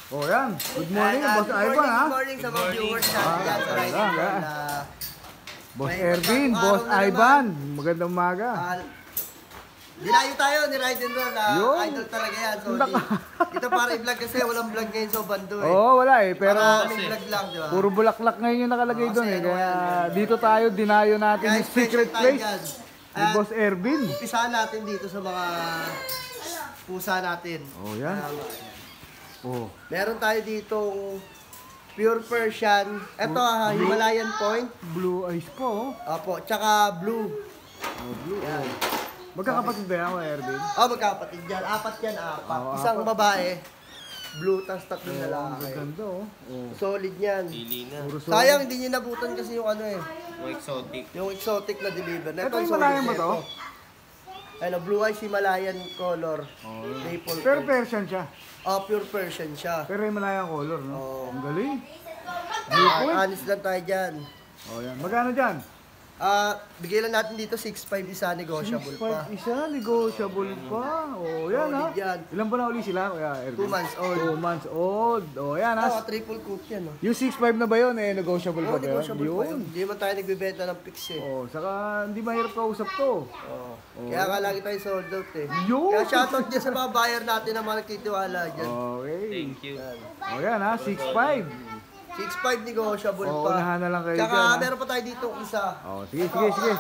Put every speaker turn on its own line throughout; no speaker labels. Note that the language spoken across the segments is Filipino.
Oh, yan. Good morning, Boss Ivan, ha?
Good morning sa mga viewers natin dyan sa Riding Roll.
Boss Ervin, Boss Ivan, magandang umaga.
Dinayo tayo ni Riding Roll. Idol talaga yan. So, dito para i-vlog kasi walang vlog ngayon sa bando eh.
Oo, wala eh. Pero
vlog lang, di ba?
puro bulaklak ngayon yung nakalagay doon eh. Kaya dito tayo, dinayo natin yung secret place ni Boss Ervin.
Umpisahan natin dito sa mga pusa natin.
Oh, yan. Oh.
Meron tayo ditong pure Persian. Ito, Himalayan Point.
Blue eyes po.
Opo, tsaka blue.
Oh, blue.
Yan.
Magkakapatid ba yan, Ervin?
Oh, magkapatid yan. Apat yan, apat. Isang babae. Blue, tas tatlong lalaki.
Maganda, oh.
Solid yan.
Pili na.
Sayang, hindi nyo nabutan kasi yung ano eh.
Yung exotic.
Yung exotic na deliver.
Ito yung Himalayan ba to?
Ano, blue eyes Himalayan color. Maple.
Pero Persian siya.
Oh, pure Persian siya.
Pero Himalayan color, no?
Oo.
Ang galing.
Honest lang tayo dyan.
Oh, yan. Magkano dyan?
Bigay lang natin dito 6.5 isa, negotiable pa.
6.5 isa, negotiable pa. Oh, yan ha.
Yan.
Ilan ba na uli sila, Kuya Ervin?
2 months old.
2 months old. Oh, yan ha.
Triple coat yan.
Yung 6.5 na ba yun, eh, negotiable pa ba yun?
Negotiable pa yun. Hindi man tayo nagbibenta ng fix eh.
Oh, saka hindi mahirap kausap to.
Kaya nga lagi tayo sold out eh.
Yun!
Kaya shoutout dyan sa mga buyer natin na mga nagtitiwala dyan.
Okay.
Thank you.
Oh, yan ha, 6.5.
6.5 negotiable
Oo,
pa.
unahan na lang kayo
Tsaka
dyan, ha?
meron pa tayo dito isa.
Oh, sige, sige, sige.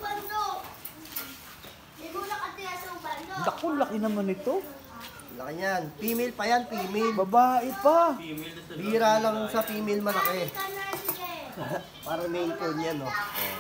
Naku, laki naman ito.
Laki yan. Female pa yan, female.
Babae pa.
Bira lang sa female malaki. Parang main cone yan, no?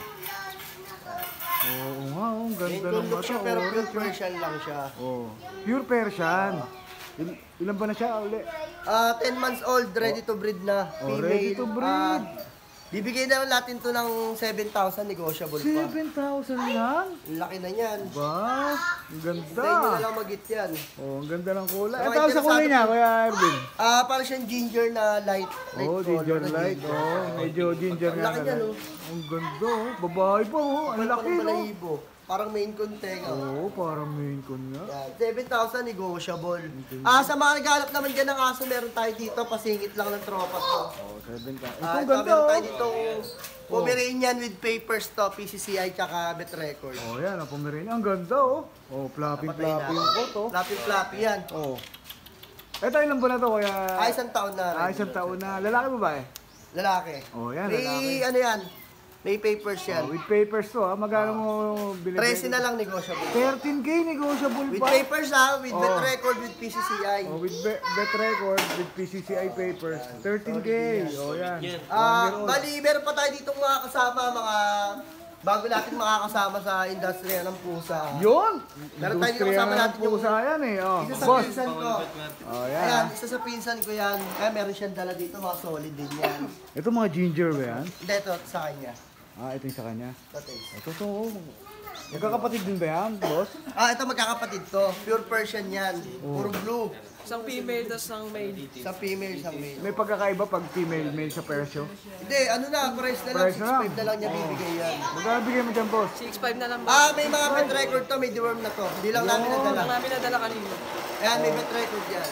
Oo nga, oh, ang
Main
ganda
cone
ng
look siya,
mata.
pero
Oh,
pure Persian lang siya.
oh. Pure Persian. Ilan ba na siya uli?
10 months old, ready to breed na.
Oh,
Female.
ready to breed.
Bibigay na lang natin to ng 7,000 negotiable pa.
7,000 lang?
Laki na yan.
Ba? Ang
Hintayin nyo na
ganda.
lang mag-hit yan.
Oh, ang ganda ng kulay.
So,
Ito sa kulay niya, Kuya Ervin.
Parang siyang ginger na light.
Oh, ginger light. Oh, medyo ginger
Ang
nga.
laki niya, no?
Ang ganda, oh. Babae pa, oh. Ang laki, no?
Balahibo. Parang main content.
Oo, parang main con nga.
Yan, 7,000 negotiable. Sa mga naghanap naman dyan ng aso, meron tayo dito. Pasingit lang ng tropa to.
Oh, 7,000. Ito,
Ito,
ang ganda,
meron
oh.
tayo dito Pomeranian with papers to, PCCI tsaka bet record.
Oh, yan, ang Pomeranian. Ang ganda, oh. Oh, fluffy-fluffy yung coat, oh.
Fluffy yan.
Oh. Ito, ilang buwan na to, Kuya?
Isang taon na.
Isang taon na. Lalaki ba ba eh?
Lalaki.
Oh, yan,
May
lalaki.
ano yan, may papers yan.
Oh, with papers to, ha? Magkano mo binibigay?
13 na lang negotiable.
13K negotiable
With
pa.
papers with bet record, with PCCI.
Oh, with bet record, with PCCI papers. 13K. Oh, yan.
Bali, meron pa tayo ditong mga kasama, mga bago natin makakasama sa industriya ng pusa.
Yun!
Meron tayo dito
Industriya
kasama
ng
natin yung
pusa yan eh. Oh,
isa sa
boss.
pinsan ko.
Oh, yan.
Ayan, isa sa pinsan ko yan. Kaya meron siyang dala dito, mga solid din yan.
Ito mga ginger ba yan?
Hindi, ito sa kanya.
Ito yung sa kanya.
Ito.
Ito to. Magkakapatid din ba yan, boss?
Ito magkakapatid to. Pure Persian yan. Puro blue.
Isang female, tas isang male.
Sa female, sa male.
May pagkakaiba pag female, male sa Persio.
Hindi, ano na, price na lang.
Price na lang.
6.5 na lang niya bibigay yan.
Magkano bigay mo dyan, boss?
6'5 na lang ba?
May mga bet record to, may deworm na to. Hindi lang namin nadala.
Ang namin nadala kanina.
Ayan, may bet record yan.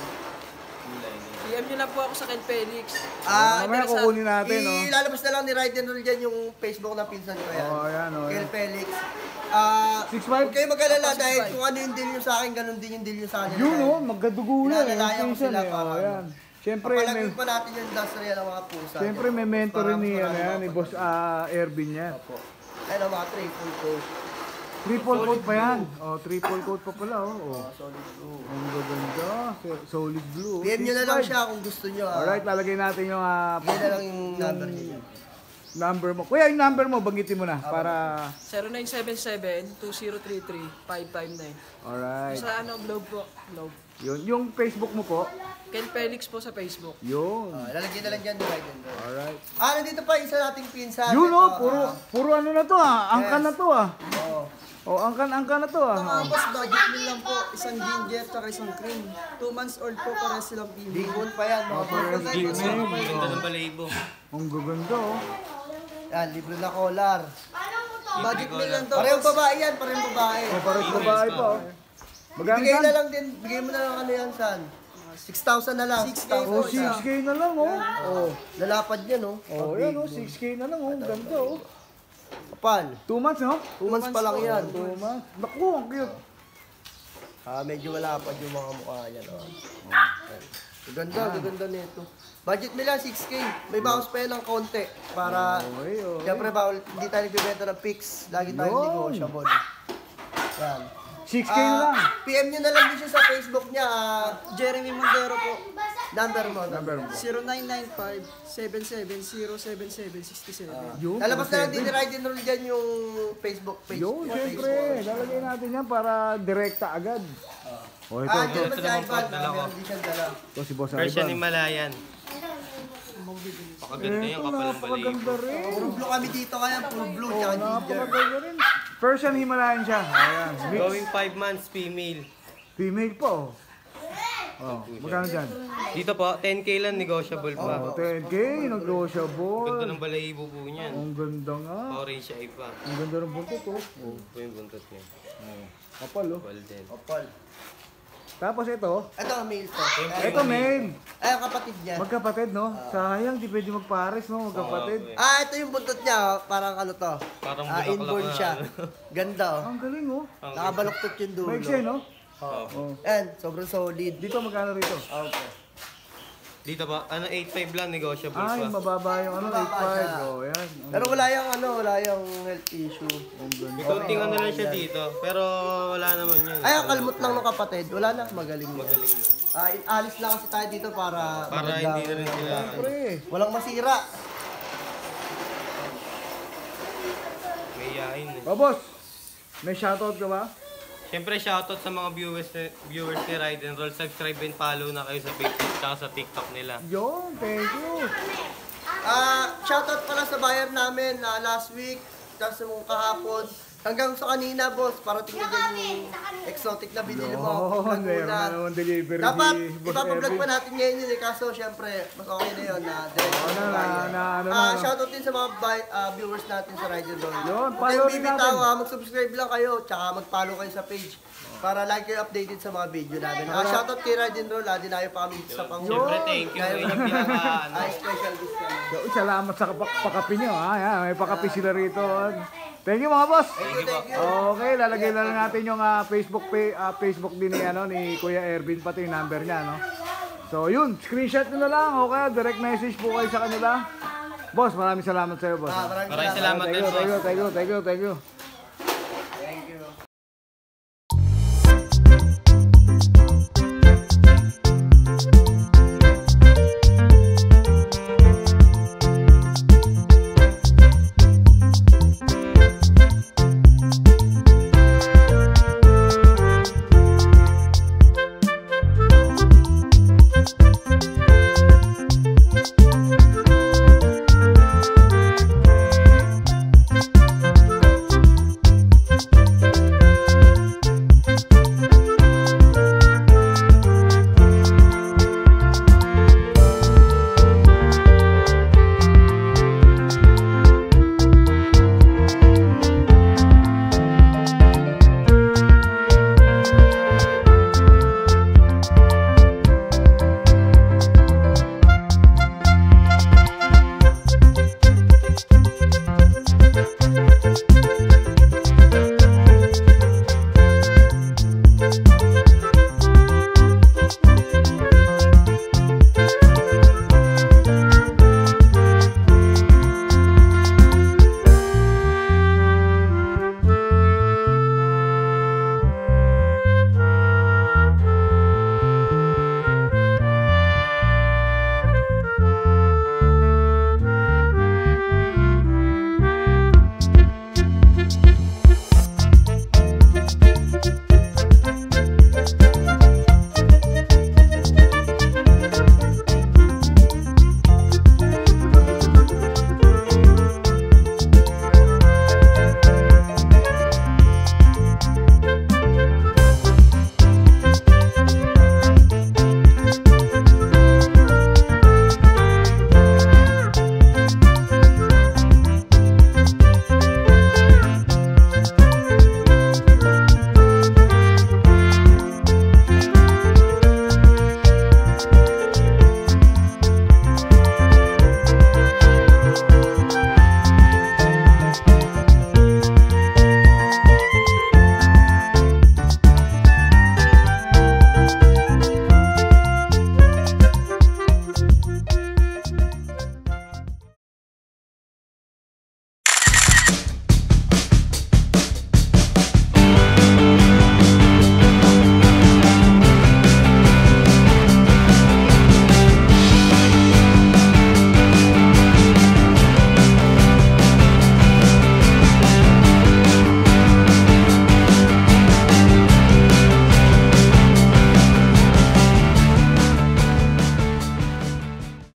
PM nyo lang po ako sa Ken Felix.
Mamaya kukunin natin, no?
Ilalabas na lang ni Ride and Roll dyan yung Facebook ng pinsan ko yan.
Oh, yan, oh,
Kel
yan.
Felix.
6'5"?
Huwag kayo mag-alala dahil kung ano yung deal nyo sa akin, ganun din yung deal nyo sa akin.
Yun, oh, magkadugo na eh.
Pinadalaya ko
Pinsan
sila
eh.
para
Oh, yan. Siyempre,
Papalagay
may,
pa natin yung industriya ng mga pusa.
siyempre may mentor rin ni, ano yan, ni boss Ervin yan.
Ayun, mga triple coat.
Triple coat pa yan. Oh, triple coat pa pala, oh.
Solid blue.
Ang gaganda. Solid blue.
PM nyo na lang
6'5".
siya kung gusto nyo.
Alright, lalagay natin yung
Yan na lang yung number niya.
number mo. Kuya, yung number mo, banggitin mo na para...
0977-2033-559.
Alright.
Sa ano, Globe po. Globe.
Yun. Yung Facebook mo po.
Ken Felix po sa Facebook.
Yun.
Lalagyan na lang dyan, di Ride and Roll.
Alright.
Nandito pa isa nating pinsan.
Yun,
Ito,
oh. Puro ano na to, Angkan na to,
Oo.
Oh, angkan na to,
Boss, budget meal lang po. Isang ginger at isang cream. 2 months old po para silang female.
Bigon pa yan, mga pinsan.
Ganda ng balahibo.
Ang gaganda, oh.
Yan, libre na collar.
Budget meal lang to.
Parehong babae yan, parehong babae.
Oh, parang babae pa, oh. Magkano
Bigay
yan?
na lang din, bigay mo na lang ano yan, San.
tumaas.
6,000 na lang.
6K
Oh,
po isa.
6K na lang, oh.
Oh, lalapad yan, oh.
Oh, yan, oh. 6K na lang, oh. Ganda, oh.
Kapal.
2 months, no?
2 months pa lang yan.
2 months. Naku, ang cute.
Medyo malapad yung mga mukha niya. No? Ganda nito. Budget nila 6K. May bawas pa yan ng konti. Para,
Okay, okay.
siyempre bawal, hindi tayo nagbibenta ng pics. Lagi tayo
Yun.
negotiable. Yan.
6K na lang.
PM nyo na lang din siya sa Facebook niya.
Jeremy Montero po.
Number mo.
Number mo.
0995-770-7767.
Yun.
Lalabas na lang din ni Ride and Roll dyan yung Facebook page.
Yun,
Facebook.
syempre. Lalagay natin yan para direkta agad. Oh, ito,
Hindi
ito.
naman si Ivan. Meron din siyang dala.
Ito si Boss
Persian
Ivan.
Himalayan. Pakaganda yung
Ito,
kapal ng
napakaganda
balahibo.
rin.
Puro blue kami dito kaya. Puro blue.
Oh,
Tsaka ginger.
napakaganda rin. Persian Himalayan siya. Ayan, mix.
Going 5 months, female.
Female po. Oh, magkano dyan?
Dito po, 10k lang, negotiable
Oh,
pa.
10K,
Ganda
negotiable.
ng balahibo po niyan.
Ang ganda nga.
Orange siya iba.
Ang ganda ng buntot, oh. Oh,
Po yung buntot niya.
kapal, oh.
Kapal din.
Opal.
Tapos ito,
Ito ang male to.
ito male.
Ay, ang kapatid niya.
Magkapatid, no? Sayang, di pwede magpares, no? Magkapatid.
Ito yung buntot niya. Parang ano to.
Parang bulaklak
Inborn
na,
siya.
ano.
Ganda, oh.
Ang galing, oh.
Nakabaluktot yung dulo.
Maiksi, no?
Oh.
And, sobrang solid.
Dito, magkano rito?
Okay.
Dito po, 8.5 lang, negotiable
Ay,
pa.
mababa yung ano,
Mababa
8.5.
siya.
Oh, yan.
Pero wala yung health issue.
May konting ano lang siya dito, pero wala naman yun.
Ay, ang kalmot lang ng kapatid. Wala na, magaling na.
Magaling yun.
Alis lang kasi tayo dito para
Para hindi na rin sila.
Pre,
walang masira.
May yain eh.
oh, boss. May shoutout ka ba?
Siyempre, shoutout sa mga viewers ni Ride and Roll. Subscribe and follow na kayo sa Facebook at sa TikTok nila.
Yun, thank you.
Shoutout pala sa buyer namin na last week, tapos yung kahapon. Hanggang sa kanina, boss, para tingnan dyan yung exotic na binili mo.
Yun, meron
Laguna.
na naman delivery
Dapat,
si Boss
ipapablog
Erwin.
pa natin ngayon yun eh. Kaso, syempre, mas okay na yun na
ano na.
shoutout din sa mga viewers natin sa Ride and Roll.
Yun,
Huwag
follow
kayong
rin
bibitaw,
natin.
mag-subscribe lang kayo, tsaka mag-follow kayo sa page. Para lagi kayo updated sa mga video namin. Shoutout kay Ride and Roll, dinayo pa kami sa pang
Siyempre, thank you. Yun yung pinaka, ano,
special discount.
Yo, salamat sa pakapi nyo, ha? Yan, may pakapi sila rito. Thank you, mga boss.
Thank you.
Okay, lalagay na lang natin yung Facebook din ni Kuya Ervin, pati yung number niya, no? So, yun, screenshot nyo na lang, okay? Direct message po kayo sa kanila. Boss, maraming salamat sa iyo, boss.
Maraming
maraming salamat din, boss.
Thank you.